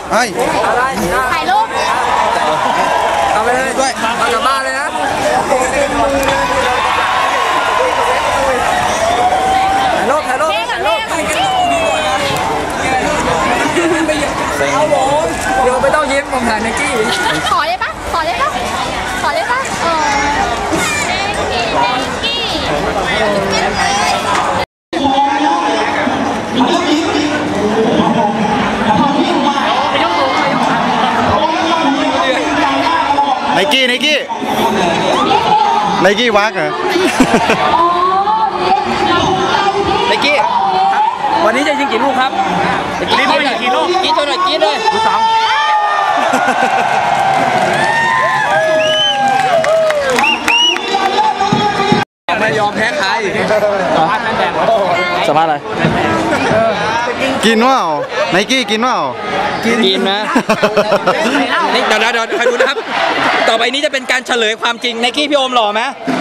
ไอ้ถ่ายรูปเอาไปเลยด้วยเอากลับบ้านเลยนะถ่ายรูปเอาผมเดี๋ยวไม่ต้องยิ้มผมถ่ายไนกี้ขอได้ปะไนกี้วักเหรอไนกี้วันนี้จะยิงกี่ลูกครับกินไปกี่ลูกกินตัวหน่อยกินเลยลูกสองไม่ยอมแพ้ใครสภาพอะไรกินว่าไนกี้กินว่ากินนะนี่เดี๋ยวใครดูนะครับต่อไปนี้จะเป็นการเฉลยความจริงไนกี้พี่โอมหล่อไหม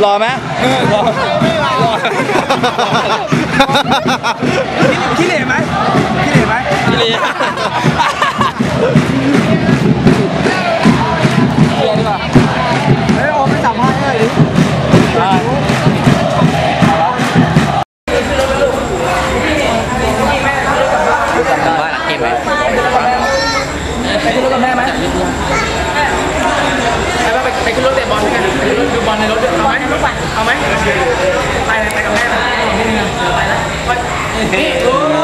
ขี้เหร่ไหมขี้เหร่ดีกว่าเฮ้ยโอมไม่สัมภาษณ์เลยดิบ้านหลังเก็บไหมไปขึ้นรถกับแม่ไหมไปขึ้นรถเตะบอลกันดูบอลในรถเอาไหมไปกับแม่ไปแล้วไปแล้ว